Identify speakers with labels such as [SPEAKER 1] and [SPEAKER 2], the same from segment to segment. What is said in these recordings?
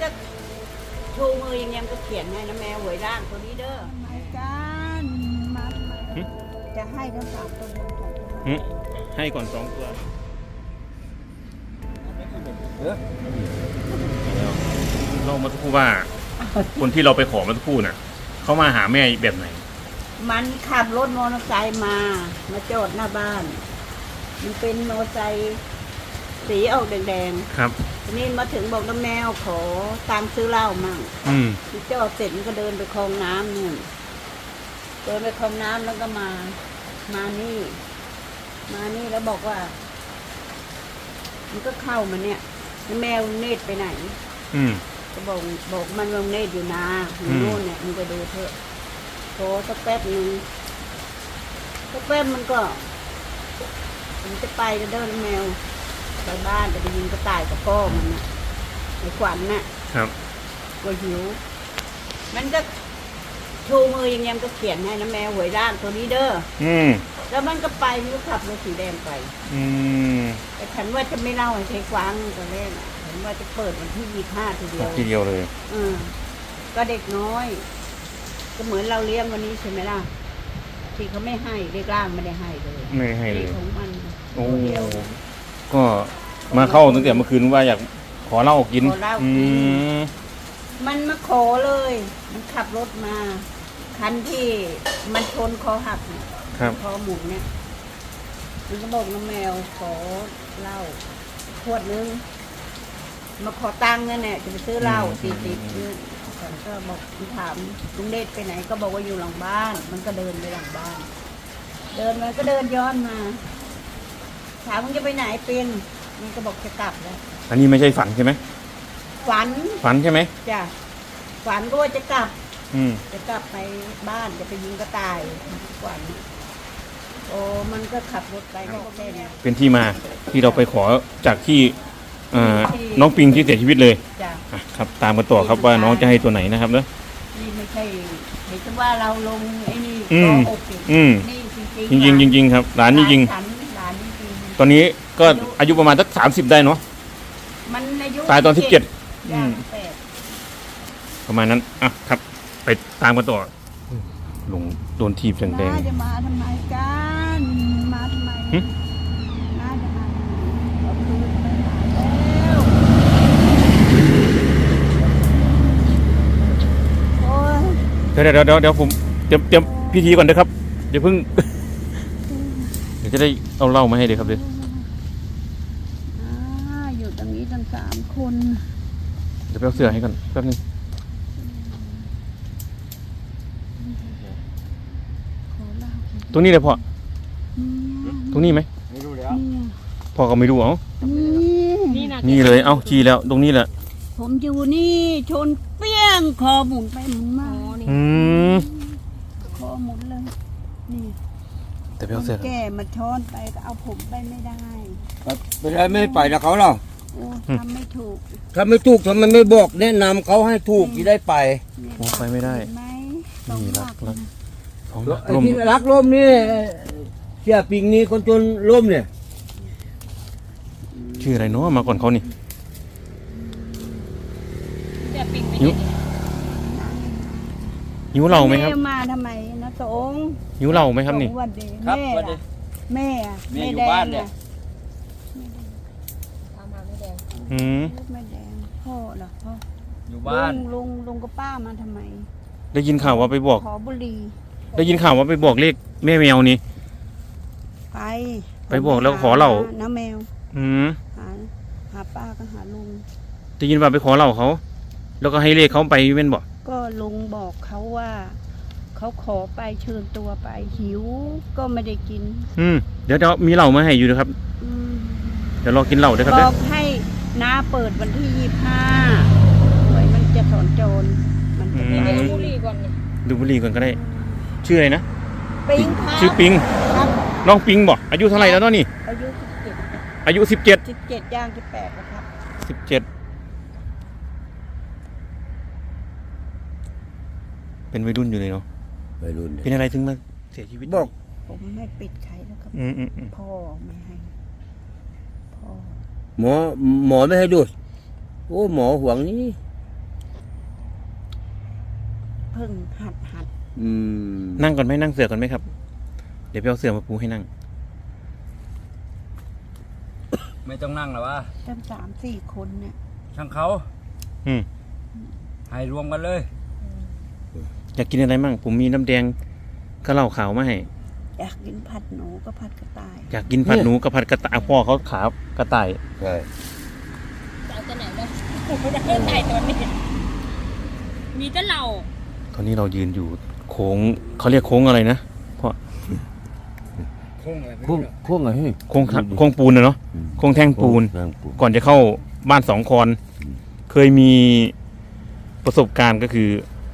[SPEAKER 1] ก็ชูมืออย่างเงี้ยก็เขียนให้นะแมวหวยร่างตัวนี้เด้อทำไมกันมาจะให้ทั้ง3 ตัวบน2 ตัว
[SPEAKER 2] ให้ก่อน2 ตัวเรามาทุกคู่ว่า คนที่เราไปขอมาทุกคู่น่ะเขามาหาแม่แบบไหน
[SPEAKER 1] มันขับรถมอเตอร์ไซค์มาจอดหน้าบ้านมันเป็นมอเตอร์ไซค์สีออกแดง
[SPEAKER 2] ๆครับ
[SPEAKER 1] ทีนี้มาถึงบอกน้าแมวขอตังค์ซื้อเหล้ามั่งจอดเสร็จมันก็เดินไปคลองน้ำเนี่ยเดินไปคลองน้ำแล้วก็มานี่แล้วบอกว่ามันก็เข้ามาเนี่ยแมวเนตรไปไหนก็บอกมันลงเนตรอยู่นาอยู่นู่นเนี่ยมันก็ดูเถอะโทรสักแป๊บนึงสักแป๊บมันจะไปจะเดินแมวไปบ้านจะไปยิงกระต่ายกับพ่อมันน่ะไอ้ขวัญน่ะ
[SPEAKER 2] ครับ
[SPEAKER 1] ก็หิวมันก็ชูมืออย่างเงี้ยก็เขียนให้นะแมวหวยร่างตัวนี้เด้อแล้วมันก็ไปมันก็ขับรถสีแดงไปแต่ฉันว่าจะไม่เล่าให้ใครฟังตอนแรกฉันว่าจะเปิดวันที่25ทีเดียว
[SPEAKER 2] เลย
[SPEAKER 1] ก็เด็กน้อยก็เหมือนเราเลี้ยงวันนี้ใช่ไหมล่ะที่เขาไม่ให้เด็กร่างไม่ได้ให้เลยของมัน
[SPEAKER 2] โอ้ก็มาเข้าตั้งแต่เมื่อคืนว่าอยากขอเหล้ากิน
[SPEAKER 1] มันมาขอเลยมันขับรถมาคันที่มันชนคอหักเนี่ยคอหมุนเนี่ยมันก็บอกน้องแมวขอเหล้าขวดนึงมาขอตังค์เนี่ยจะไปซื้อเหล้า40ฉันก็บอกถามลุงเดชไปไหนก็บอกว่าอยู่หลังบ้านมันก็เดินไปหลังบ้านเดินมาก็เดินย้อนมาถามมึงจะไปไหนเป็นมันก็บอกจะกลับแล้ว
[SPEAKER 2] อันนี้ไม่ใช่ฝันใช่ไหม
[SPEAKER 1] ฝัน
[SPEAKER 2] ใช่ไหม
[SPEAKER 1] จ้ะฝันก็ว่าจะกลับไปบ้านจะไปยิงกระต่ายฝันโอ้มันก็ขับรถไปก็แค่นี้
[SPEAKER 2] เป็นที่มาที่เราไปขอจากที่น้องปิงที่เสียชีวิตเลย
[SPEAKER 1] จ้ะ
[SPEAKER 2] ครับตามกันต่อครับว่าน้องจะให้ตัวไหนนะครับเนอะ
[SPEAKER 1] นี่ไม่ใช่เห็นว่าเราลงไอ้นี่ก็อก
[SPEAKER 2] นี่จริงครับหลานจริงตอนนี้ก็อายุประมาณสัก30ได้เนาะ
[SPEAKER 1] มันอายุ
[SPEAKER 2] ตายตอน17ประมาณนั้นครับไปตามกันต่อลงโดนทีบแดง
[SPEAKER 1] จะมาทำไมกันมาทำไมน่าจะมา
[SPEAKER 2] เดี๋ยวผมเตรียมพิธีก่อนนะครับเดี๋ยวเพิ่งเดี๋ยวจะได้เอาเหล้ามาให้เลยครับเดี๋ยว
[SPEAKER 1] อยู่ตรงนี้ทั้ง3 คน
[SPEAKER 2] เดี๋ยวไปเอาเสื้อให้ก่อนแป๊บนึงตรงนี้เลยพ่อตรงนี้ไหม
[SPEAKER 3] ไม่รู้แล้ว
[SPEAKER 2] พ่อก็ไม่รู้นี่เลยชี้แล้วตรงนี้แหละ
[SPEAKER 1] ผมอยู่นี่ชนเปี้ยงคอหมุนไปหมุนมาคอหมุนเลยนี่
[SPEAKER 2] แต่ไปเอาเสื้อ
[SPEAKER 1] แก่มาช้อนไปก็เอาผมไปไม่ได้
[SPEAKER 3] ไม่ได้ไม่ไปแล้วเขาหรอ
[SPEAKER 1] ทำไม่ถูก
[SPEAKER 3] ทำไมไม่บอกแนะนำเขาให้ถูกที่ได้ไป
[SPEAKER 2] ไปไม่ได้นี่รัก
[SPEAKER 3] ที่รักร่มนี่เสียปิงนี่คนจนร่มเนี่ย
[SPEAKER 2] ชื่ออะไรเนาะมาก่อนเขานี่หิวเหล้าไหมครับ
[SPEAKER 1] มาทำไมนะสง
[SPEAKER 2] หิวเหล้าไหมครับนี่
[SPEAKER 3] ครับ
[SPEAKER 1] แม่
[SPEAKER 3] อยู่บ้านเนี่ย
[SPEAKER 1] ไม่แดงพ่อเหรอพ่อ
[SPEAKER 3] อยู่บ้าน
[SPEAKER 1] ลุงกับป้ามาทำไม
[SPEAKER 2] ได้ยินข่าวว่าไปบอก
[SPEAKER 1] ขอบุหรี่
[SPEAKER 2] ได้ยินข่าวว่าไปบอกเลขแม่แมวนี่
[SPEAKER 1] ไป
[SPEAKER 2] บอกแล้วขอเหล้า
[SPEAKER 1] น้าแมวหาป้าก็หาลุง
[SPEAKER 2] ได้ยินว่าไปขอเหล้าเขาแล้วก็ให้เลขเขาไปเป็นบอก
[SPEAKER 1] ก็ลุงบอกเขาว่าเขาขอไปเชิญตัวไปหิวก็ไม่ได้กิน
[SPEAKER 2] เดี๋ยวมีเหล้ามาให้อยู่นะครับเดี๋ยวรอกินเหล้าด้วยครับ
[SPEAKER 1] บอกให้น้าเปิดวันที่25ไว้มันจะถอนโจรมันจะดูบุหรี่ก่อน
[SPEAKER 2] ดูบุหรี่ก่อนก็ได้ชื่ออะไรนะ
[SPEAKER 1] ปิง
[SPEAKER 2] ชื่อปิงน้องปิงบอกอายุเท่าไหร่แล้วตอนนี้อายุ17
[SPEAKER 1] ย่าง18แล้วครับ
[SPEAKER 2] 17เป็นวัยรุ่นอยู่เลยเนาะ
[SPEAKER 3] วัยรุ่น
[SPEAKER 2] เป็นอะไรถึงมาเสียชีวิต
[SPEAKER 1] บอกผมไม่ปิดใครแล้วครับพ่อไม่ให้
[SPEAKER 3] พ่อหมอไม่ให้ดูโอ้หมอห่วงนี้
[SPEAKER 1] เพิ่งหัด
[SPEAKER 3] อืม
[SPEAKER 2] นั่งก่อนไหมนั่งเสือก่อนไหมครับ เดี๋ยวไปเอาเสือมาปูให้นั่ง
[SPEAKER 4] ไม่ต้องนั่งหรอวะ
[SPEAKER 1] ตั้ง3-4 คนเนี่ย
[SPEAKER 4] ช่างเขา
[SPEAKER 2] อืม
[SPEAKER 4] ให้รวมกันเลย
[SPEAKER 2] อยากกินอะไรมั่งผมมีน้ำแดงก็เหล้าขาวมาให้
[SPEAKER 1] อยากกินผัดหนูก็ผัดกระต่าย
[SPEAKER 2] อยากกินผัดหนูกับผัดกระต่ายพ่อเขาขาวกระต่าย
[SPEAKER 3] ใช่
[SPEAKER 5] จะเอาตัวไหนเลยไม่ได้ใส่ตัวนี้มีแต่เรา
[SPEAKER 2] ตอนนี้เรายืนอยู่โค้งเขาเรียกโค้งอะไรนะพ่อ
[SPEAKER 4] โค้งอะไรไม่
[SPEAKER 3] โค้ง
[SPEAKER 4] รู้
[SPEAKER 3] โค้งอะไร
[SPEAKER 2] โค้งปูนนะเนาะโค้งแท่งปูน
[SPEAKER 3] แท่งปูน
[SPEAKER 2] ก่อนจะเข้าบ้านสองคอน เคยมีประสบการณ์ก็คือ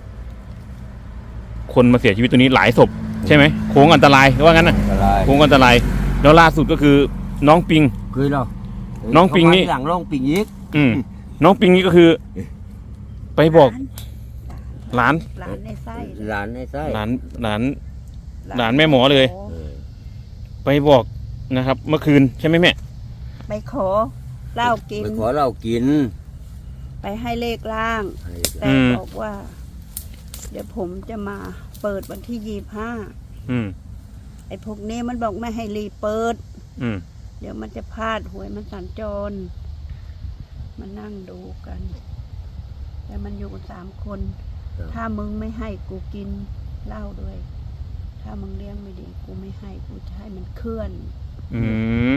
[SPEAKER 2] คนมาเสียชีวิตตัวนี้หลายศพใช่ไหมโค้งอันตรายว่างั้นนะ
[SPEAKER 3] อะไร
[SPEAKER 2] โค้งอันตรายแล้วล่าสุดก็คือน้องปิง
[SPEAKER 3] เคยเหรอ
[SPEAKER 2] น้องปิงนี่
[SPEAKER 3] เขามาหลังน้องปิงอีก
[SPEAKER 2] อืมน้องปิงนี่ก็คือ ไปบอกหลาน
[SPEAKER 1] หลานในไส้
[SPEAKER 3] หลานในไส้
[SPEAKER 2] หลานแม่หมอเลย
[SPEAKER 3] เออ
[SPEAKER 2] ไปบอกนะครับ เมื่อคืนใช่ไหมแม่
[SPEAKER 1] ไปขอเหล้ากิน
[SPEAKER 3] ไปขอเรากิน
[SPEAKER 1] ไปให้เลขล่าง
[SPEAKER 3] ให้
[SPEAKER 1] แต่บอกว่า เดี๋ยวผมจะมาเปิดวันที่25
[SPEAKER 2] อืม
[SPEAKER 1] ไอ้พวกนี้มันบอกไม่ให้รีบเปิด
[SPEAKER 2] อืม
[SPEAKER 1] เดี๋ยวมันจะพลาดหวยมันสัญจรมานั่งดูกัน แต่มันอยู่กัน3 คน ถ้ามึงไม่ให้กูกินเหล้าด้วย ถ้ามึงเลี้ยงไม่ดี กูไม่ให้กูจะให้มันเคลื่อน
[SPEAKER 2] อืม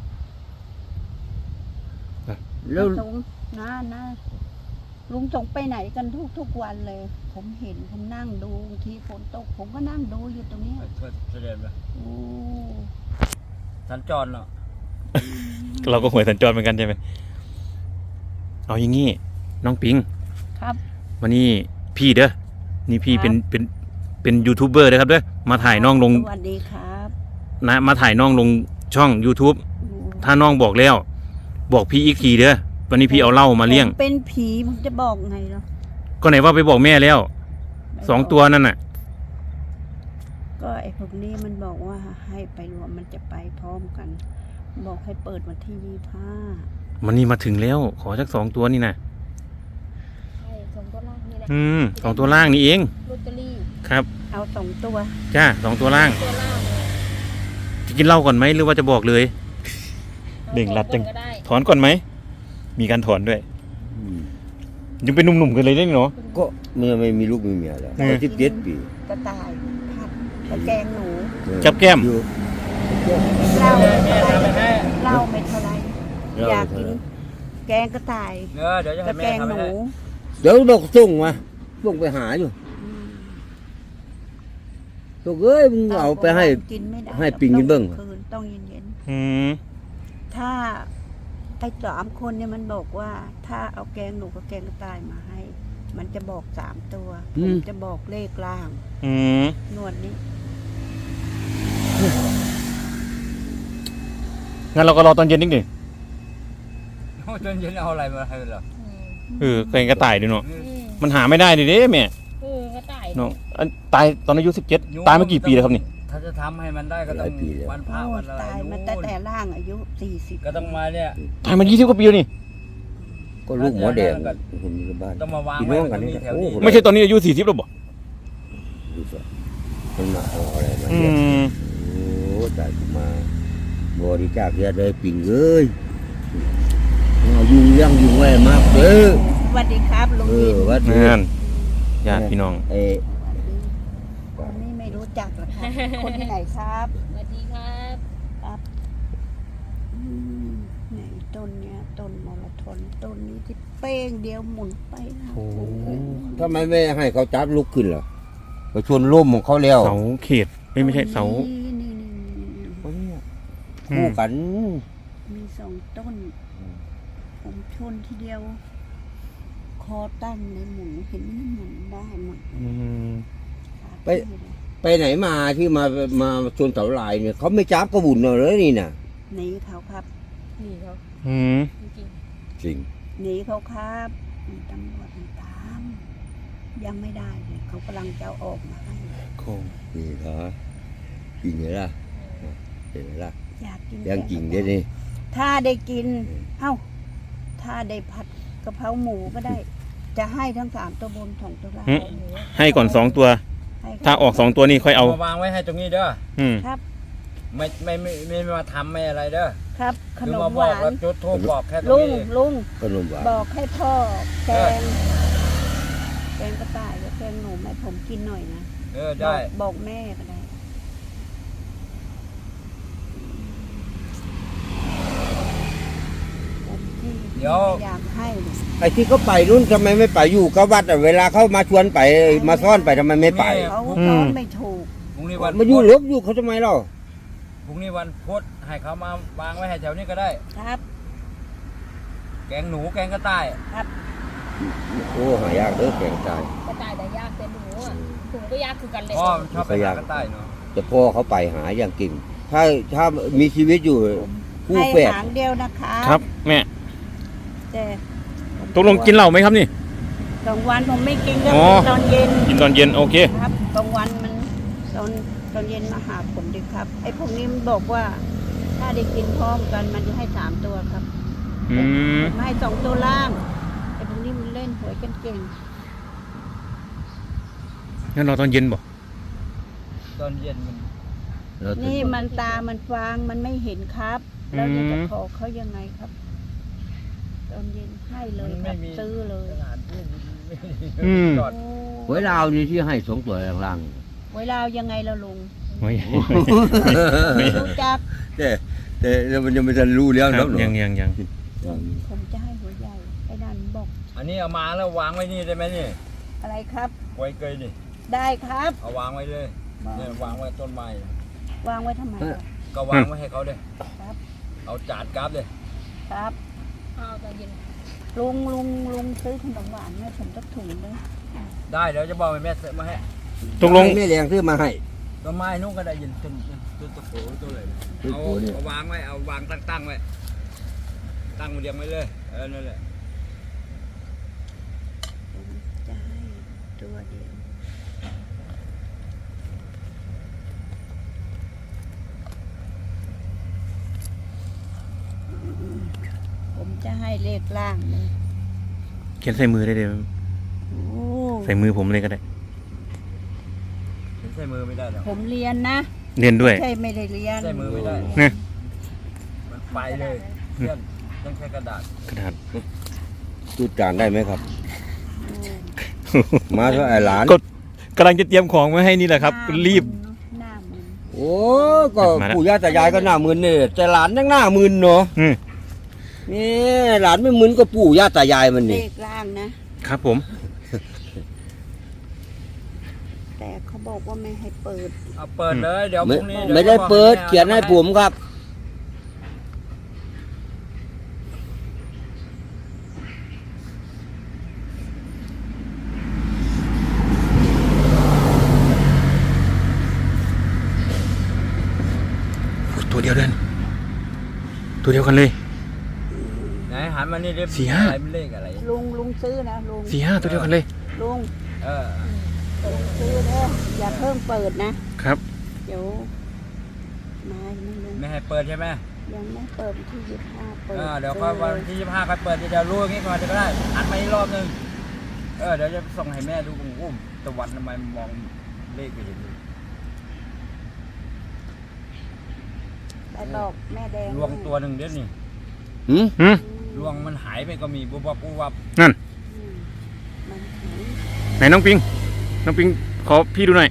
[SPEAKER 3] แล้ว
[SPEAKER 1] สงนะลุงส่งไปไหนกันทุกวันเลย ผมเห็นผมนั่งดูบางทีฝนตก ผมก็นั่งดูอยู่ตรงเนี้ย
[SPEAKER 4] ช่วยแสดงเลย
[SPEAKER 1] โอ้
[SPEAKER 4] สัญจรเนาะ
[SPEAKER 2] เราก็หวยสัญจรเหมือนกันใช่ไหมเอาอย่างงี้น้องปิง
[SPEAKER 1] ครับ
[SPEAKER 2] วันนี้พี่เด้อนี่พี่
[SPEAKER 1] ครับ
[SPEAKER 2] เป็นยูทูบเบอร์นะครับเด้อมาถ่ายน้องลง
[SPEAKER 1] สวัสดีครับ
[SPEAKER 2] นะมาถ่ายน้องลงช่อง YouTube ถ้าน้องบอกแล้ว บอกพี่อีกทีเด้อวันนี้พี่เอาเหล้ามาเลี้ยง
[SPEAKER 1] ผมเป็นผีมึงจะบอกไงเนาะ
[SPEAKER 2] ก็ไหนว่าไปบอกแม่แล้ว2 ตัวนั่นน่ะ
[SPEAKER 1] ก็ไอ้พวกนี้มันบอกว่าให้ไปรวมมันจะไปพร้อมกัน บอกให้เปิดวันที่25
[SPEAKER 2] มันนี่มาถึงแล้ว ขอสัก2 ตัวนี่นะ
[SPEAKER 5] ใช่สองตัวล่างนี่แหละ
[SPEAKER 2] 2 ตัวล่างนี่เอง
[SPEAKER 5] ลอตเตอรี่
[SPEAKER 2] ครับ
[SPEAKER 1] เอา2 ตัว
[SPEAKER 2] จ้า2 ตัวล่าง
[SPEAKER 5] ตัวล่าง
[SPEAKER 2] จะกินเหล้าก่อนไหมหรือว่าจะบอกเลย เบ่งรัดจัง
[SPEAKER 5] ก็ได้
[SPEAKER 2] ถอนก่อนไหมมีการถอนด้วย
[SPEAKER 3] อืม
[SPEAKER 2] ยังเป็นหนุ่มๆกันเลยได้เนาะ
[SPEAKER 3] ก็เมื่อไม่มีลูกมีเมียแล้ว
[SPEAKER 2] เออ
[SPEAKER 3] 17 ปี
[SPEAKER 1] กระต่ายผัดกระแกงหนู
[SPEAKER 2] จับแก้ม
[SPEAKER 3] อยู่
[SPEAKER 1] เหล้าไม่เท่าไร
[SPEAKER 4] ทำไปให้
[SPEAKER 1] เหล้าไม่เท่าไร
[SPEAKER 3] เหล้า
[SPEAKER 1] อยาก
[SPEAKER 3] ไม่
[SPEAKER 1] กิน
[SPEAKER 3] เท่าไร
[SPEAKER 1] แกงกระต่าย
[SPEAKER 4] เดี๋ยวจะ
[SPEAKER 1] ก
[SPEAKER 4] ให้
[SPEAKER 1] ระ
[SPEAKER 4] แม่
[SPEAKER 1] แกง
[SPEAKER 4] ทำ
[SPEAKER 1] ห
[SPEAKER 4] ให้
[SPEAKER 1] นู
[SPEAKER 3] เดี๋ยวดอกส่งมาส่งไปหาอยู่
[SPEAKER 1] อืม
[SPEAKER 3] ลูกเอ้ยมึงเอาไปให้
[SPEAKER 1] กินไม่ได้
[SPEAKER 3] ให้ปิงกินเบิ่ง
[SPEAKER 1] คืนต้องเย็น
[SPEAKER 2] อืม
[SPEAKER 1] ๆถ้าไอ้3 คนเนี่ยมันบอกว่า ถ้าเอาแกงหนูกับแกงกระต่ายมาให้ มันจะบอก3 ตัวผมจะบอกเลขล่าง
[SPEAKER 2] อืม
[SPEAKER 1] นวดนี้
[SPEAKER 2] งั้นเราก็รอตอนเย็นนิดหนึ่ง
[SPEAKER 4] โอ้จนเย็นเอาอะไรมาให้เหรอ
[SPEAKER 2] เกรงกระต่ายดูเนาะ
[SPEAKER 5] อืม
[SPEAKER 2] มันหาไม่ได้ดิเด้แม่
[SPEAKER 5] กระต่าย
[SPEAKER 2] เนาะอันตายตอนอายุ17ตายมากี่ปีแล้วครับนี่
[SPEAKER 4] ถ้าจะทำให้มันได้ก็ต้องวันพระวันอะไร
[SPEAKER 1] ตายมาตั้งแต่ร่างอายุ40
[SPEAKER 4] ก็ต้องมาเนี่ย
[SPEAKER 2] ตายมา20 กว่าปีแล้วนี่
[SPEAKER 3] ก็ลูกหมอแดงคนนี้บ้าน
[SPEAKER 4] ต้องมาวาง
[SPEAKER 3] พี่
[SPEAKER 4] ไว้
[SPEAKER 3] น้องกันนี่
[SPEAKER 4] ตรงนี้แถว
[SPEAKER 3] โอ้
[SPEAKER 4] นี้
[SPEAKER 3] โห
[SPEAKER 2] ไม่ใช่ตอนนี้อายุ40แล้วบ่
[SPEAKER 3] ดูสิมันมาเอาอะไรมา
[SPEAKER 2] อื
[SPEAKER 3] เนี่ย
[SPEAKER 2] ม
[SPEAKER 3] โอ้ตายกูมาบริจาคเยอะเลยปิ่งเอ้ยเอายุ่งยั่งยุ่งไว้มากเด้อ
[SPEAKER 1] สวัสดีครับลุง
[SPEAKER 3] เอ
[SPEAKER 1] ยิ
[SPEAKER 3] อน วัด
[SPEAKER 2] นั่นญาติพี่น้อง
[SPEAKER 3] เอ้
[SPEAKER 1] คนนี้ไม่รู้จักหรอกครับ คนที่ไหนครับ
[SPEAKER 5] สวัสดีครับ
[SPEAKER 1] ครับไหนต้นเนี้ยต้นมรทนต้นนี้ที่เป้งเดียวหมุนไปนะ
[SPEAKER 2] โอ้
[SPEAKER 3] ทำไมไม่ให้เขาจับลุกขึ้นล่ะไปชวนร่มของเขาแล้ว
[SPEAKER 2] เสาเขตไม่ใช่เสา
[SPEAKER 1] นี่
[SPEAKER 3] คู่กัน
[SPEAKER 1] มี2 ต้น ผมชนทีเดียว คอตั้งในหมุนเห็นไหมหมุนได้หมด
[SPEAKER 2] อืม
[SPEAKER 3] ไปไหนมาที่มาชวนเสาลายเนี่ยเขาไม่จับกระบุญเลยนี่น่ะ
[SPEAKER 1] หนีเขาครับ
[SPEAKER 5] นี่เขา
[SPEAKER 2] อืม
[SPEAKER 5] จริง
[SPEAKER 3] จริง
[SPEAKER 1] หนีเขาครับมีตำรวจมาตาม ยังไม่ได้เลยเขากำลังจะเอาออกมาให้
[SPEAKER 2] โคง
[SPEAKER 3] นี่เหรอจริงเหรอล่ะเห็นไหมล่ะ
[SPEAKER 1] อยากกิน
[SPEAKER 3] ยังจริงได้นี่
[SPEAKER 1] ถ้าได้กิน เอ้า ถ้าได้ผัดกะเพราหมูก็ได้จะให้ทั้ง3ตัวบน2ตัวล่าง
[SPEAKER 2] หึ ให้ก่อน2ตัว
[SPEAKER 1] ให้ครับ
[SPEAKER 2] ถ้าออก2ตัวนี่ค่อยเอา
[SPEAKER 4] มาวางไว้ให้ตรงนี้เด้อ
[SPEAKER 2] อืม
[SPEAKER 1] ครับ
[SPEAKER 4] ไม่มาทำไม่อะไรเด้อ
[SPEAKER 1] ครับข
[SPEAKER 4] คือน
[SPEAKER 1] ม
[SPEAKER 4] มา
[SPEAKER 1] ห
[SPEAKER 4] บอก
[SPEAKER 1] วาน
[SPEAKER 4] ว่าจุดทูบบอกแค่ตร
[SPEAKER 1] ลุ
[SPEAKER 4] ง
[SPEAKER 1] ง
[SPEAKER 4] นี้
[SPEAKER 1] ลุง
[SPEAKER 3] ขนมหวาน
[SPEAKER 1] บอกให้พ่อแกงกระต่ายกับแกงหนูให้ผมกินหน่อยนะ
[SPEAKER 4] ได้
[SPEAKER 1] บอกแม่ก็ได้ผมที่พยายามให้เนี่ย
[SPEAKER 3] ไอ้ที่เขาไปนู่นทำไมไม่ไปอยู่กับวัดอะเวลาเขามาชวนไปมาซ่อนไปทำไมไม่ไป
[SPEAKER 1] เขา
[SPEAKER 2] อื
[SPEAKER 1] สอ
[SPEAKER 2] ม
[SPEAKER 1] นไม่ถูก
[SPEAKER 4] พรุ่งนี้วัน
[SPEAKER 3] มาอยู่ลบอยู่เขาทำไมเล่า
[SPEAKER 4] พรุ่งนี้วันพุธให้เขามาวางไว้ให้แถวนี้ก็ได้
[SPEAKER 1] ครับ
[SPEAKER 4] แกงหนูแกงกระต่าย
[SPEAKER 3] โอ้หายากเด้อแข่งตาย
[SPEAKER 5] กระต่ายแต่ยากแต่หนูอ่ะถุงก็ยากคือกันเลย
[SPEAKER 4] พ่อมันชอบไปหากระต่ายเนาะ
[SPEAKER 3] แต่พ่อเขาไปหาอย่างกิ่งถ้ามีชีวิตอยู่คู่
[SPEAKER 1] ให้
[SPEAKER 3] แฝด
[SPEAKER 1] หางเดียวนะคะ
[SPEAKER 2] ครับแม่
[SPEAKER 1] แต่ผม
[SPEAKER 2] ตกลงกินเหล้าไหมครับนี่
[SPEAKER 1] กลางวันผมไม่กินก็
[SPEAKER 2] อ๋อ
[SPEAKER 1] ตอนเย็น
[SPEAKER 2] กินตอนเย็นโอเค
[SPEAKER 1] ครับกลางวันมันตอนเย็นมาหาผมดีครับไอ้พวกนี้มันบอกว่า ถ้าได้กินพร้อมกันมันจะให้3ตัวครับ
[SPEAKER 2] อืม
[SPEAKER 1] ผมให้2ตัวล่างไอ้พวกนี้มันเล่นหวยกันเก่ง
[SPEAKER 2] งั้นเราตอนเย็นบ่
[SPEAKER 4] ตอนเย็นมัน
[SPEAKER 1] นี่มันตามันฟางมันไม่เห็นครับแล้วจะขอเขายังไงครับ ตอนเย็นให้เลยครับซื้อเลย
[SPEAKER 4] สถานที่ไม่
[SPEAKER 2] อืม
[SPEAKER 4] จอด
[SPEAKER 3] หวยลาวนี่ที่ให้2ตัวล่าง
[SPEAKER 1] เวลายังไงเราลุง
[SPEAKER 2] โอ้ย
[SPEAKER 1] รู้จัก
[SPEAKER 3] แต่มันยังไม่ทันรู้แล้ว
[SPEAKER 2] ครั
[SPEAKER 3] แล้
[SPEAKER 2] บ
[SPEAKER 3] วเหรอ
[SPEAKER 2] ยัง
[SPEAKER 1] ผมจะให้หัวใหญ่ไอ้ดันบอก
[SPEAKER 4] อันนี้เอามาแล้ววางไว้นี่ได้ไหมนี่
[SPEAKER 1] อะไรครับ
[SPEAKER 4] ไว้เกยนี่
[SPEAKER 1] ได้ครับ
[SPEAKER 4] เอาวางไว้เลยเนี่ยวางไว้ต้นไม้
[SPEAKER 1] วางไว้ทำไมครับ
[SPEAKER 4] ก็วางไว้ให้เขาเลย
[SPEAKER 1] ครับ
[SPEAKER 4] เอาจานกราฟเลย
[SPEAKER 1] ครับ
[SPEAKER 5] เอาตอนเย็น
[SPEAKER 1] ลุงซื้อขนมหวานให้ผมสักถุงเลย
[SPEAKER 4] ได้เดี๋ยวจะบอกให้แม่ซื้อมาให้
[SPEAKER 2] ตกลง
[SPEAKER 3] แม่แรงซื้อมาให้
[SPEAKER 4] ต้นไม้นุ่งก็ได้ยินต้นตะโขตัวเลย
[SPEAKER 3] ต้น
[SPEAKER 4] เอา
[SPEAKER 3] โขเนี่ย
[SPEAKER 4] เอาวางไว้เอาวางตั้งไว้ตั้งเรียงไว้เลยนั่นแหละ
[SPEAKER 1] ผมจะให้ตัวเดียวผมจะให้เลขล่างเลย
[SPEAKER 2] เขียนใส่มือได้เลย
[SPEAKER 1] โอ้
[SPEAKER 2] ใส่มือผมเลยก็ได้
[SPEAKER 4] ใช้มือไม่ได้หรอก
[SPEAKER 1] ผมเรียนนะ
[SPEAKER 2] เรียนด้วย
[SPEAKER 1] ใช่ไม่ได้เรียน
[SPEAKER 4] ใช้มือไม่ได้
[SPEAKER 2] เนี่ย
[SPEAKER 4] มันไปเลยเพื่อนต้องใช้กระดาษ
[SPEAKER 2] กระดาษ
[SPEAKER 3] ตู้จานได้ไหมครับ มาเท่าไอ้หลาน
[SPEAKER 2] ก็กำลังจะเตรียมของมาให้นี่แหละครับ รีบ
[SPEAKER 1] หน้ามึน
[SPEAKER 3] โอ้ก็
[SPEAKER 2] มาแล้ว
[SPEAKER 3] ปู่ย่าตายายก็หน้ามึนนี่แต่หลานยังหน้ามึนเนาะ
[SPEAKER 2] อืม
[SPEAKER 3] นี่หลานไม่มึนก็ปู่ย่าตายายมัน
[SPEAKER 1] เล
[SPEAKER 3] นี่
[SPEAKER 1] ขล่างนะ
[SPEAKER 2] ครับผม
[SPEAKER 1] แต่เขาบอกว่าไม่ให้เปิด
[SPEAKER 4] เอาเปิดเลยเดี๋ยวพ
[SPEAKER 3] ไม่
[SPEAKER 4] รุ่งนี้
[SPEAKER 3] ไม่ได้เปิดเขียนให้ผมครับ
[SPEAKER 2] ตัวเดียวเดินตัวเดียวกันเลย
[SPEAKER 4] ไหนหันมานี่เรียบ
[SPEAKER 2] สี่ห้า
[SPEAKER 4] อะไรเป็นเลขอะไร
[SPEAKER 1] ลุงซื้อนะลุง
[SPEAKER 2] 4-5ตัวเดียวกันเลย
[SPEAKER 1] ลุง
[SPEAKER 4] เออ
[SPEAKER 1] ซื้อเด้ออย่าเพิ่งเปิดนะครับ เดี๋ยวมาไม่ลุง
[SPEAKER 4] ไม่ให้เปิดใช่ไหม
[SPEAKER 1] ยังไม่เปิดวันที่25เปิด
[SPEAKER 4] เดี๋ยวค่อยวันที่25ค่อยเปิดเดี๋ยวรู้อย่างงี้ก่อนก็ได้หันมาอีกรอบนึงเดี๋ยวจะส่งให้แม่ดูอุ้มตะวันทำไมมองเลขไม่เห็นเลย
[SPEAKER 1] ไปบอกแม่แดง
[SPEAKER 4] ลวงตัวหนึ่งเดี๋ยวนี้
[SPEAKER 3] หืม
[SPEAKER 2] หืม
[SPEAKER 4] ลวงมันหายไปก็มีบุบวับ
[SPEAKER 2] นั่น
[SPEAKER 1] อืมมันหาย
[SPEAKER 2] ไหนน้องปิง น้องปิงขอพี่ดูหน่อย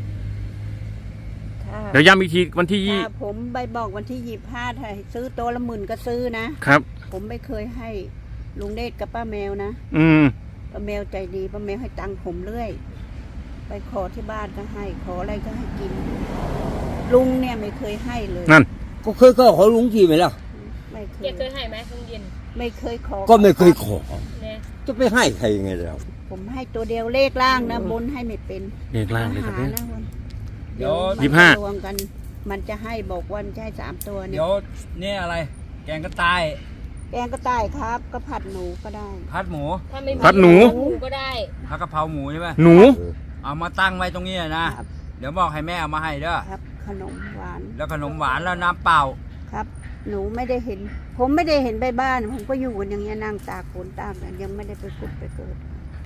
[SPEAKER 1] ค่ะ
[SPEAKER 2] เดี๋ยวย้ำอีกทีวันที่
[SPEAKER 1] ถ้าผมไปบอกวันที่25ถ้าซื้อตัวละ10,000ก็ซื้อนะ
[SPEAKER 2] ครับ
[SPEAKER 1] ผมไม่เคยให้ลุงเดชกับป้าแมวนะ
[SPEAKER 2] อืม
[SPEAKER 1] ป้าแมวใจดีป้าแมวให้ตังค์ผมเรื่อย ไปขอที่บ้านก็ให้ ขออะไรก็ให้กิน ลุงเนี่ยไม่เคยให้เลย
[SPEAKER 2] นั่น
[SPEAKER 3] ก็เคยก็ขอลุงทีไหมล่ะ
[SPEAKER 1] ไม่เค
[SPEAKER 5] เกี
[SPEAKER 1] ย
[SPEAKER 5] ยเคยให้ไหมตอนเย็น
[SPEAKER 1] ไม่เคยขอ
[SPEAKER 3] ก็ไม่เคยขอ
[SPEAKER 5] เนี่ย
[SPEAKER 3] จะไปให้ใครยังไงแล้ว
[SPEAKER 1] ผมให้ตัวเดียวเลขล่างนะบนให้ไม่เป็น
[SPEAKER 2] เรียกล่างเลยครับ
[SPEAKER 1] หา
[SPEAKER 2] เนี่ย
[SPEAKER 1] นะวัน
[SPEAKER 4] เดี๋ยว
[SPEAKER 1] มัน
[SPEAKER 2] 25
[SPEAKER 1] จะรวมกัน มันจะให้บอกวันจะให้3ตัวเนี่
[SPEAKER 4] เดี๋
[SPEAKER 1] ย
[SPEAKER 4] ยวนี่อะไร แกงกระต่าย
[SPEAKER 1] แกงก็ได้ครับก็ผัดหนูก็ได้
[SPEAKER 4] พัดหมู
[SPEAKER 5] ถ้าไม่มี
[SPEAKER 2] พัดหนู
[SPEAKER 5] ก็ได้
[SPEAKER 4] ผัดกะเพราหมูใช่ไหม
[SPEAKER 2] หนู
[SPEAKER 4] เอามาตั้งไว้ตรงนี้นะ
[SPEAKER 1] ครับ
[SPEAKER 4] เดี๋ยวบอกให้แม่เอามาให้เด้อ
[SPEAKER 1] ครับ ขนมหวาน
[SPEAKER 4] แล้วขนมหวานแล้วน้ำเปล่า
[SPEAKER 1] ครับ หนูไม่ได้เห็น ผมไม่ได้เห็นไปบ้าน ผมก็อยู่กันอย่างเงี้ยนั่งตากฝนตากกันยังไม่ได้ไปขุดไปเกิด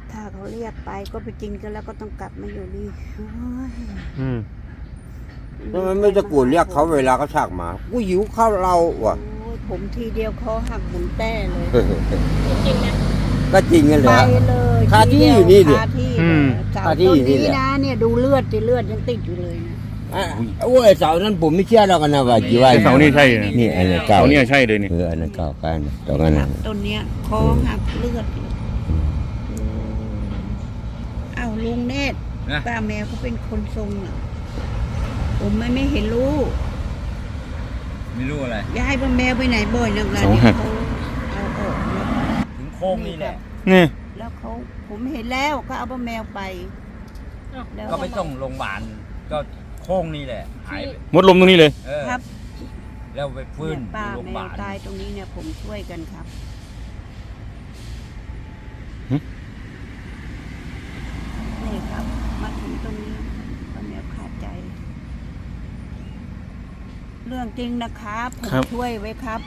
[SPEAKER 1] ถ้าเขาเรียกไปก็ไปกินกันแล้วก็ต้องกลับมาอยู่นี่โอ้ย
[SPEAKER 2] อืม
[SPEAKER 3] ทำไมไม่ตะโกนเรียกเขาเวลาเขาชักมากูหิวข้าวเราว่ะ
[SPEAKER 1] โอ้ยผมทีเดียวเขาหักหมุนแต้เลย
[SPEAKER 5] จริงๆนะ
[SPEAKER 3] ก็จริงกันเล
[SPEAKER 1] ไป
[SPEAKER 3] ย
[SPEAKER 1] เลย
[SPEAKER 3] คาที่
[SPEAKER 1] ทีเดีว
[SPEAKER 3] อยู่นี่ดิ
[SPEAKER 1] คาที่
[SPEAKER 2] อืม
[SPEAKER 1] เสา
[SPEAKER 3] คาที่
[SPEAKER 1] ต้น
[SPEAKER 3] อยู่นี่
[SPEAKER 1] นี้
[SPEAKER 3] แหละ
[SPEAKER 1] นะเนี่ยดูเลือดยังติดอยู่เลยนะ
[SPEAKER 3] โอ้ยเสานั้นผมไม่เชื่อแล้วกันนะว่ากี่ว่า
[SPEAKER 2] ไอ้เสานี่ใช่นะ
[SPEAKER 3] นี่อันนั้นเก่า
[SPEAKER 2] เสาเนี่ยใช่เลยนี่
[SPEAKER 3] อันนั้นเก่ากันตรงนั้นน่ะ
[SPEAKER 1] ต้นเนี้ยคอหักเลือดเลยอ้าวลุงเนตร
[SPEAKER 4] นะ
[SPEAKER 1] ป้าแมวเขาเป็นคนทรงเหรอผมไม่เห็นรู้
[SPEAKER 4] ไม่รู้อะไร
[SPEAKER 1] ย้ายป้าแมวไปไหนบ่อยนักล่ะ
[SPEAKER 2] เสา
[SPEAKER 1] เนี่ย
[SPEAKER 2] หัก
[SPEAKER 1] เขาเอาออกแล้ว
[SPEAKER 4] ถึงโค้งนี่แหละ
[SPEAKER 2] นี่
[SPEAKER 1] แล้วเขาผมเห็นแล้วก็เอาป้าแมวไปแล้ว
[SPEAKER 4] ก็ไปส่งโรงพยาบาลก็โค้งนี่แหละหายไป
[SPEAKER 2] มดลมตรงนี้เลย
[SPEAKER 4] เออ
[SPEAKER 1] ครับ
[SPEAKER 4] แล้วไปฟื้น
[SPEAKER 1] เนี่ยป้า
[SPEAKER 4] โรงพ
[SPEAKER 1] แม
[SPEAKER 4] ยาว บาล
[SPEAKER 1] ตายตรงนี้เนี่ยผมช่วยกันครับ
[SPEAKER 2] หึ
[SPEAKER 1] นี่ครับ มาถึงตรงนี้ป้าแมวขาดใจ เรื่องจริงนะครับผมช่วยไว้ครับ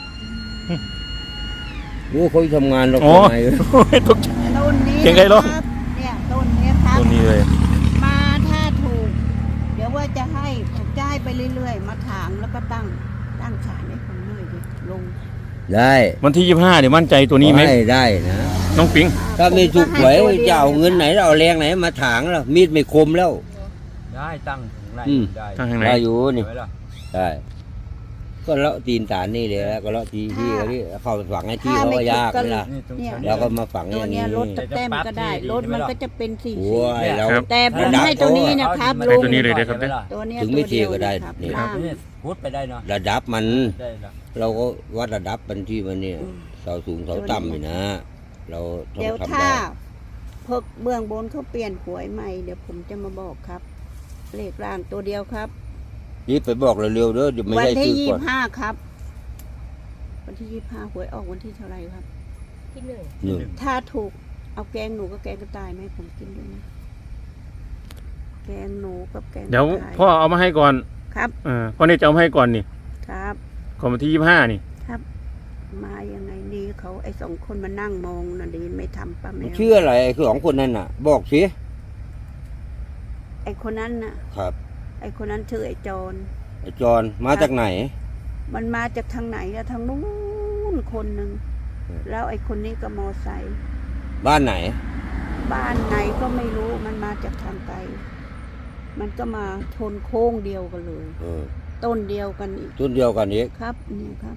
[SPEAKER 3] โอ้เขาทำงานเรา
[SPEAKER 2] อ๋อ
[SPEAKER 3] ทำไม
[SPEAKER 2] โอ้ยตกใจ
[SPEAKER 1] ต้นนี้
[SPEAKER 2] เก่งไกลร้อง
[SPEAKER 1] นะครับเนี่ยต้นเนี้ยครับ
[SPEAKER 2] ตัวนี้เลย
[SPEAKER 1] มาถ้าถูก เดี๋ยวว่าจะให้ผมจะให้ไปเรื่อยๆ มาถางแล้วก็ตั้งฉานให้ผมหน่อยดิลง
[SPEAKER 3] ได้
[SPEAKER 2] วันที่25เดี๋ยวมั่นใจตัวนี้ไหม
[SPEAKER 3] ได้นะ
[SPEAKER 2] น้องปิง
[SPEAKER 3] ถ้าไม่ถูกหวย
[SPEAKER 1] ผมก็ให้ตัวดีย
[SPEAKER 3] จะเอาเงินไหนเราเอาแรงไหนมาถางล่ะมีดไม่คมแล้ว
[SPEAKER 4] ได้ตั้งถึงไร
[SPEAKER 3] อืม
[SPEAKER 4] ได้
[SPEAKER 2] ทางไหน
[SPEAKER 3] ได้อยู่นี่
[SPEAKER 4] เห็นไหมล่ะ
[SPEAKER 3] ได้ก็เลาะตีนฐานนี่เลยแล้วก็เลาะทีที่เขาที่เข้าฝังให้ที่เขาก็ยากเลยล่ะ
[SPEAKER 4] นี่ตรง
[SPEAKER 1] เนี่ย
[SPEAKER 4] ชั้น
[SPEAKER 3] เราก็มาฝังอ
[SPEAKER 1] ตัว
[SPEAKER 3] ย่าง
[SPEAKER 1] เนี้
[SPEAKER 3] นี้
[SPEAKER 1] ยรถตะแต้มก็ได้รถมันก็จะเป็นสี
[SPEAKER 3] โอ้ยเรา
[SPEAKER 2] ครับ
[SPEAKER 1] แต่ผมให้ตัวนี้นะครับ
[SPEAKER 2] ให้ตัวนี้เลยนะครับ
[SPEAKER 4] ห็นไหมล่ะ
[SPEAKER 1] ตัวเนี้ย
[SPEAKER 3] ถึงไม่
[SPEAKER 1] ตัวเดียว
[SPEAKER 3] เทียบก็ได้
[SPEAKER 1] นะครับ
[SPEAKER 3] นี่
[SPEAKER 1] ล่าง
[SPEAKER 4] นี่พุทธไปได้เนาะ
[SPEAKER 3] ระดับมัน
[SPEAKER 4] ได้ละ
[SPEAKER 3] เราก็วัดระดับมันที่มันเนี่ยเสาสูงเสาต่ำนี่นะ เราต้อง
[SPEAKER 1] เดี๋ยว
[SPEAKER 3] ทำ
[SPEAKER 1] ถ้า
[SPEAKER 3] ได้
[SPEAKER 1] พวกเบื้องบนเขาเปลี่ยนหวยใหม่เดี๋ยวผมจะมาบอกครับเลขล่างตัวเดียวครับ
[SPEAKER 3] รีบไปบอกเร็วๆเด้อเดี๋ยวไม่
[SPEAKER 1] วั
[SPEAKER 3] ได้
[SPEAKER 1] ที่
[SPEAKER 3] ซื้อก่อน
[SPEAKER 1] 25ครับ วันที่25หวยออกวันที่เท่าไหร่ครับ
[SPEAKER 5] ที่หนึ่ง
[SPEAKER 3] นี่
[SPEAKER 1] ถ้าถูกเอาแกงหนูกับแกงกระต่ายไหมาให้ผมกินด้วยนะแกงหนูกับแกงกระ
[SPEAKER 2] เดี๋ยว
[SPEAKER 1] ต่าย
[SPEAKER 2] พ่อเอามาให้ก่อน
[SPEAKER 1] ครับ
[SPEAKER 2] พ่อเนี่ยจะเอามาให้ก่อนนี่
[SPEAKER 1] ครับ
[SPEAKER 2] ก่อนวันที่25นี่
[SPEAKER 1] ครับ มายังไงดีเขาไอ้สองคนมานั่งมองน่ะดีไม่ทำป้าแม
[SPEAKER 3] มัน
[SPEAKER 1] ว
[SPEAKER 3] ชื่ออะไรคือสองคนนั้นน่ะ บอกสิ
[SPEAKER 1] ไอ้คนนั้นน่ะ
[SPEAKER 3] ครับ
[SPEAKER 1] ไอ้คนนั้นชื่อไอ้จร
[SPEAKER 3] ไอ้จอนมาจากไหน
[SPEAKER 1] มันมาจากทางไหนอะทางนู้นคนหนึ่ง
[SPEAKER 3] อืม
[SPEAKER 1] แล้วไอ้คนนี้ก็มอไซค์
[SPEAKER 3] บ้านไหน
[SPEAKER 1] บ้านไหนก็ไม่รู้มันมาจากทางไกล มันก็มาชนโค้งเดียวกันเลย
[SPEAKER 3] เออ
[SPEAKER 1] ต้นเดียวกันอีก
[SPEAKER 3] ต้นเดียวกันอีก
[SPEAKER 1] ครับนี่ครับ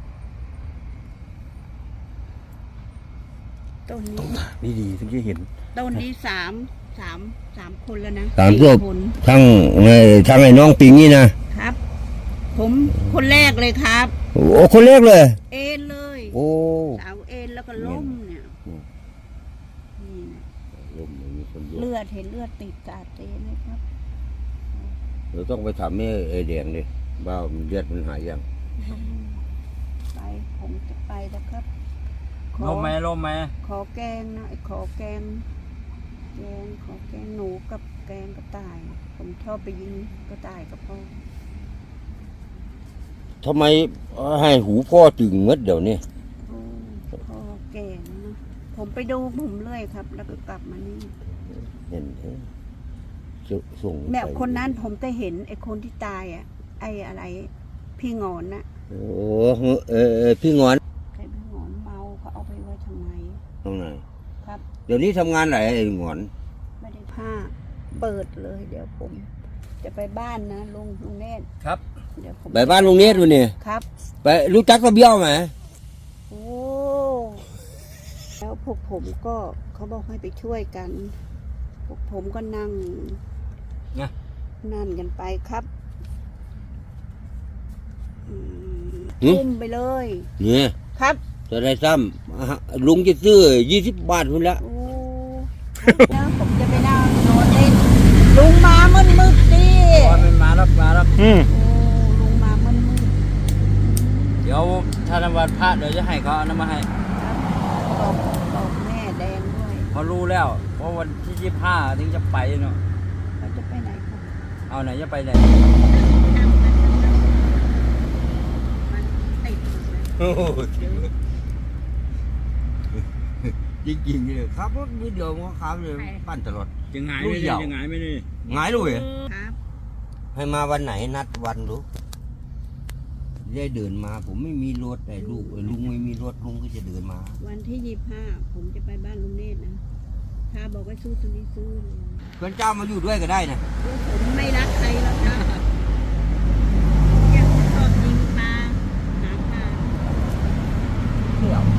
[SPEAKER 1] ต้นนี้
[SPEAKER 2] ดีๆถึงจะเห็น
[SPEAKER 1] ต้นนี้สามคนแล้วนะ
[SPEAKER 3] สาม
[SPEAKER 1] สี่
[SPEAKER 3] ศพ
[SPEAKER 1] คน
[SPEAKER 3] ทั้งไอ้น้องปิงนี่นะครับ
[SPEAKER 1] ผมคนแรกเลยครับ
[SPEAKER 3] โอ้คนแรกเลย
[SPEAKER 1] เอ็นเลย
[SPEAKER 3] โอ้
[SPEAKER 1] เสาเอ็นแล้วก็ล้มเนี่ย
[SPEAKER 3] อืม
[SPEAKER 1] นี่นะ
[SPEAKER 3] ลมมีคนเยอะ
[SPEAKER 1] เลือดเห็นเลือดติดกาดเตนไหมครับ
[SPEAKER 3] เราต้องไปถามแม่ไอ้แดงดิว่ามันเลือดมันหายยัง
[SPEAKER 1] ไปผมจะไปแล้วครับ ข
[SPEAKER 4] ล
[SPEAKER 1] อ
[SPEAKER 4] มไหมลมไหม
[SPEAKER 1] ขอแกงนะขอแกงขอแกงหนูกับแกงกระต่าย ผมชอบไปยิงกระต่ายกับพ่อ
[SPEAKER 3] ทำไมให้หูพ่อตึงเงดเดี๋ยวนี้
[SPEAKER 1] โอ้พ่อแก่แล้วนะผมไปดูผมเรื่อยครับ แล้วก็กลับมานี่
[SPEAKER 3] เห็นส่ง
[SPEAKER 1] แบบ
[SPEAKER 3] ไป
[SPEAKER 1] คนนั้นผมก็เห็นไอ้คนที่ตายอ่ะ ไอ้อะไร พี่งอนน่ะ
[SPEAKER 3] โอ้พี่งอน
[SPEAKER 1] ใครพี่งอนเมาเขาเอาไปไว้ทำไม
[SPEAKER 3] ตรงไหน
[SPEAKER 1] ครับ
[SPEAKER 3] เดี๋ยวนี้ทำงานไหนไอ้งอน
[SPEAKER 1] ไม่ได้ผ้าเปิดเลย เดี๋ยวผม จะไปบ้านนะลุงเนตร
[SPEAKER 4] ครับ
[SPEAKER 1] เดี๋ยวผม
[SPEAKER 3] ไปบ้านลุงเนตรวันนี้
[SPEAKER 1] ครับ
[SPEAKER 3] ไปรู้จักตะเบี้ยวไหม
[SPEAKER 1] โอ้ แล้วพวกผมก็เขาบอกให้ไปช่วยกัน พวกผมก็นั่ง
[SPEAKER 4] นะ
[SPEAKER 1] นั่นกันไปครับ
[SPEAKER 3] หึ
[SPEAKER 1] ทุ่มไปเลย
[SPEAKER 3] เนี่ย
[SPEAKER 1] ครับ
[SPEAKER 3] จะได้ซ้ำลุงจะซื้อ20 บาทพุ่นละ
[SPEAKER 1] โอ้แล้วผมจะไปนั่งนอนเล่นลุงมามืดๆดิ
[SPEAKER 4] ตอนมันมาแล้ว
[SPEAKER 2] อืม
[SPEAKER 1] โอ้ลุงมามืด
[SPEAKER 4] เดี๋ยวถ้าวันพระเดี๋ยวจะให้เขาเอาน้ำมาให้
[SPEAKER 1] ๆครับบอกแม่แดงด้วย
[SPEAKER 4] เขารู้แล้วเพราะวันที่25ถึงจะไปเนาะ
[SPEAKER 1] เราจะไปไหนครับ
[SPEAKER 4] เอาไหนจะไปไหน
[SPEAKER 1] มันติดหมดเลย
[SPEAKER 3] จริงๆเลยครับรถนิดเดียวมันก็ขับเลยปั้นตลอด
[SPEAKER 4] จะหงาย
[SPEAKER 3] ลู
[SPEAKER 4] ไม่
[SPEAKER 3] ก
[SPEAKER 4] ได้
[SPEAKER 3] ยาว
[SPEAKER 4] จะหงายไม่ได้
[SPEAKER 3] หงายเลย
[SPEAKER 1] ครับ
[SPEAKER 3] ให้มาวันไหนนัดวันดูได้เดินมาผมไม่มีรถแต่ลุงไม่มีรถลุงก็จะเดินมา
[SPEAKER 1] วันที่25ผมจะไปบ้านลุงเนตรนะถ้าบอกว่าสู้ตรงนี้สู้เลย
[SPEAKER 3] เพื่อนเจ้ามาอยู่ด้วยก็ได้นะ
[SPEAKER 1] ผมไม่รักใครหรอกนะอยากชอบยิงปลาหาปลาไม่ชอบ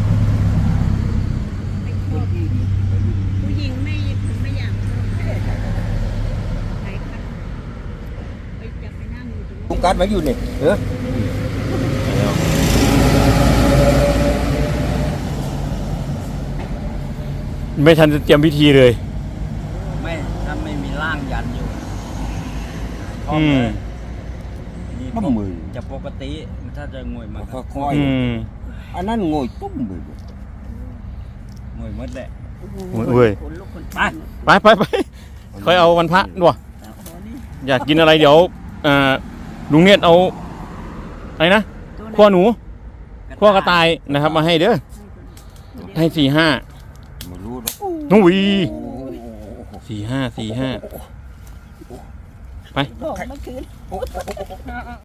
[SPEAKER 1] ผู้หญิงไม่ผมไม่อยากชอบใครครับไปจะไปนั่งอยู่ตรง
[SPEAKER 3] ลุ
[SPEAKER 1] นู้
[SPEAKER 3] ง
[SPEAKER 1] น
[SPEAKER 3] กัดมาอยู่นี่
[SPEAKER 2] ไม่ทันจะเตรียมพิธีเลย
[SPEAKER 4] ไม่ถ้าไม่มีร่างยันอยู่
[SPEAKER 2] อืม
[SPEAKER 4] นี่
[SPEAKER 3] ต้มมือ
[SPEAKER 4] จะปกติถ้าจะงวยมาก
[SPEAKER 3] ก็ค่อย
[SPEAKER 2] อืม
[SPEAKER 3] อันนั้นโง่ตุ้มมือง
[SPEAKER 4] วยหมดแหละ
[SPEAKER 2] โอ้ย
[SPEAKER 1] ขนลุกขน
[SPEAKER 4] ไป
[SPEAKER 2] ไปค่อยเอาวันพระด้วยอยากกินอะไรเดี๋ยวลุงเนียดเอาอะไรนะขั้วหนูขั้วกระต่ายนะครับ มาให้เด้อให้4-5
[SPEAKER 3] ไม่รู้หรอก
[SPEAKER 2] นุ่ย
[SPEAKER 3] โอ้โห
[SPEAKER 2] 4-5 4-5 ไป
[SPEAKER 1] บอกเมื่อคืน